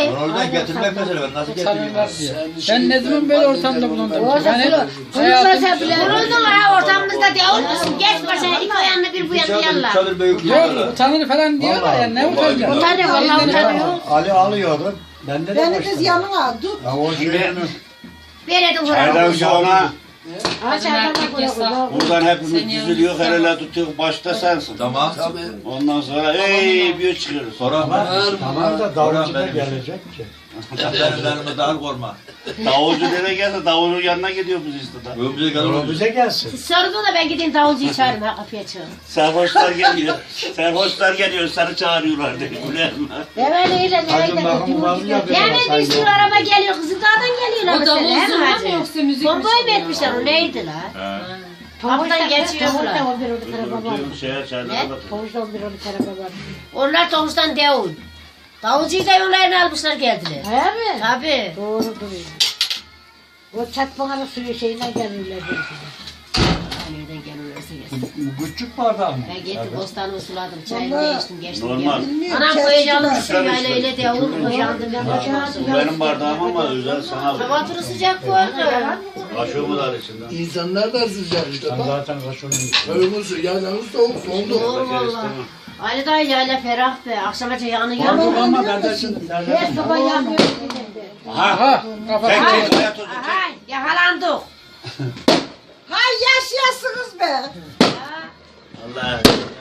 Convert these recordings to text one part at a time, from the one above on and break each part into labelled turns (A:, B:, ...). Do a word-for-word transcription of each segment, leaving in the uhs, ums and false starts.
A: Onu oradan getirmek mesele, ben nasıl getireyim?
B: Ben ne zaman böyle ortamda bulundum ki? Ben hep
C: Bulunmasa bile bulundun ha ortamımızda değil misin? Geç başına iki ayağını bir bu yana yallah.
A: Çadır büyük
B: yok utanır falan diyorlar ya ne utanacağım?
C: Utanıyor vallahi utanıyor.
D: Ali alıyordum. Ben de
E: Beni kız yanına tut.
D: Ya o şeyini
C: Verelim
F: Çaydan sonra
C: buraya.
F: buradan hepimiz düzülüyor, el ele tutuyor, başta sensin.
A: Tamam.
F: Ondan sonra ey bir çıkıyoruz.
A: Sonra
D: tamam da davulcu da gelecek ki.
A: benim daha korma.
F: Davulcu dede gelse davulun yanına gidiyor biz işte da.
A: Öbürce kadar
D: O bize gelsin.
C: Sordu da ben gideyim davulcuyu çağırayım ha kapıya çağırayım.
F: Serhoşlar geliyor. Serhoşlar geliyor, seni çağırıyorlar diye.
C: Evet öyle
D: Hacım bakımı var ya.
C: hemen bir sürü araba geliyor kızım dağdan geliyorlar
G: O da
C: mesela he mi
G: uzun mu
C: hacı?
G: yoksa müzik mi
C: Bombayı mı
G: çalıyor?
C: etmişler o neydi la? Kapıdan geçiyorlar.
F: Şehir çaydan da.
C: Onlar Toğuş'tan Davul. Davulcuyu da yollarına almışlar geldiler.
E: He mi?
C: Tabii.
E: Doğrudur. O çatmanın suyu şeyine gelirler.
C: Nereden gelirlerse gelsin.
D: Küçük bardağı mı?
C: Ben gittim bostanımı suladım, çayını değiştim, geçtim.
F: Normal.
C: Anam koyacağım bir şey öyle öyle de olur mu? Yandım ben
F: Bu benim bardağım ama özel sana.
C: Tavatırı sıcak koydu.
F: Kaşığımı da içinde.
H: İnsanlar da sıcak işte
D: Sen
H: bak.
D: zaten kaşının
H: Köyümüz yaylanız soğuk soğuk.
C: Doğru valla. Ali dayı yayla ferah be. Akşama yanı yandı.
D: ama ben de şimdi
E: Her sabah yanıyor.
B: Aha kafa.
F: Tek
C: Ay,
F: tek hayat oldu.
C: ay, yakalandık.
E: Hay yaşayasınız be.
F: Allah.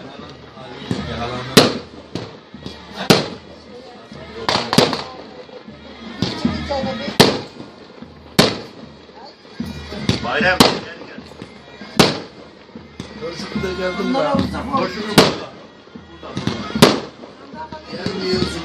F: Bayram.
H: Hoşum da geldim ben. Hoşum gelmiyorsun.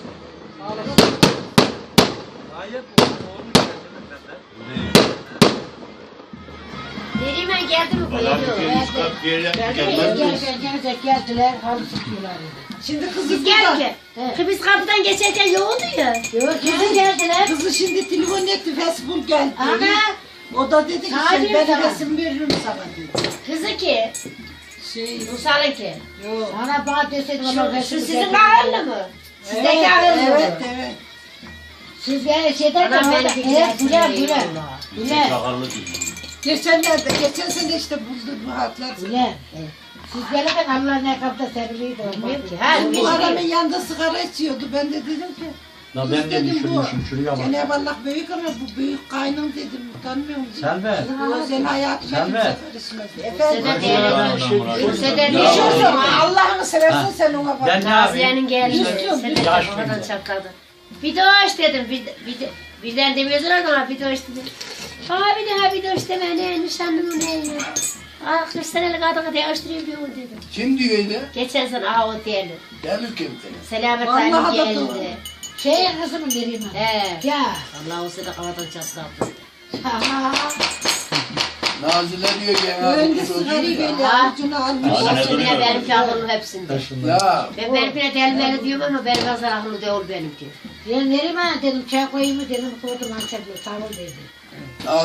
C: Nereye ben geldim mi?
F: Adam
C: Geliyor.
F: bir üst kat bir yere gelmez mi?
E: Geldiler geldiler halı sıkıyorlar. Şimdi kızı
C: Biz geldik. Biz kapıdan geçerken yoğundu ya.
E: Yok kızı geldiler. Kızı şimdi telefon etti Facebook geldi.
C: Ana.
E: O da dedi ki sen
C: Tabii
E: ben
C: sana.
E: resim veririm sana dedi.
C: Kızı ki.
E: Şey,
C: Rusal'ın ki.
E: yok. Ana bana deseydi
C: Şu,
E: ona
C: şu
E: resim
C: sizin
E: veririm.
C: kahırlı mı? Sizdeki kahırlı mı?
E: Evet evet. Siz yani şeyden de
C: Anam
E: orada
C: beni
E: evet güle güle.
F: Yüksek
E: Güle.
F: sakallı değil.
E: Geçenlerde, geçen sene işte buldu bu hatlar. Güle. Siz gelirken Allah'ın ayakkabıda serviliydi.
C: Bilmiyorum ki. Ha,
E: Bu
C: geçti.
E: adamın yanında sigara içiyordu. Ben de dedim ki
D: La
E: kız
D: ben de
E: dedim bu.
D: düşünmüşüm şuraya bak.
E: Cenab-ı Allah büyük ama bu büyük kaynım dedim. Utanmıyor musun?
D: Selve.
E: O senin hayatına
D: Selve.
E: kimse karışmaz.
C: Size de
E: Efendim.
C: diyelim. Size de
E: Ne
C: diyelim.
E: diyorsun? Allah'ını seversen sen ona bak.
D: Ben ne yapayım?
C: Gaziye'nin geldi.
E: Düştüm,
C: Size de
D: yaş
C: kafadan
D: mıydı?
C: çatladı. Bir de hoş dedim. Bir, bir, de- birden demiyordular ama bir de hoş dedim. Abi de ha bir de hoş deme ne nişanlım ne ya. Ah kırk senelik adamı değiştireyim diyor dedim.
H: Kim diyor öyle?
C: Geçen sene aha o diyelim.
H: Gelir kim seni?
C: Selamet
E: Vallahi
C: Hanım
E: da doğru.
C: geldi.
E: Şey kızımın vereyim ha.
C: He.
E: Ya.
C: Allah o sene kafadan çatladı.
E: Ha.
H: Nazile diyor ki ya.
E: Önce
H: bu çocuğu
E: sigarayı
H: ya.
E: böyle
C: Ha.
E: avucuna almış.
C: O sene benimki aklım hepsinde.
H: Ya
C: Ben benimkine delmeli diyorum ama benim fazla aklım değil benimki.
E: Ben vereyim ha dedim çay koyayım mı dedim koydum Antep'le sağ ol dedi.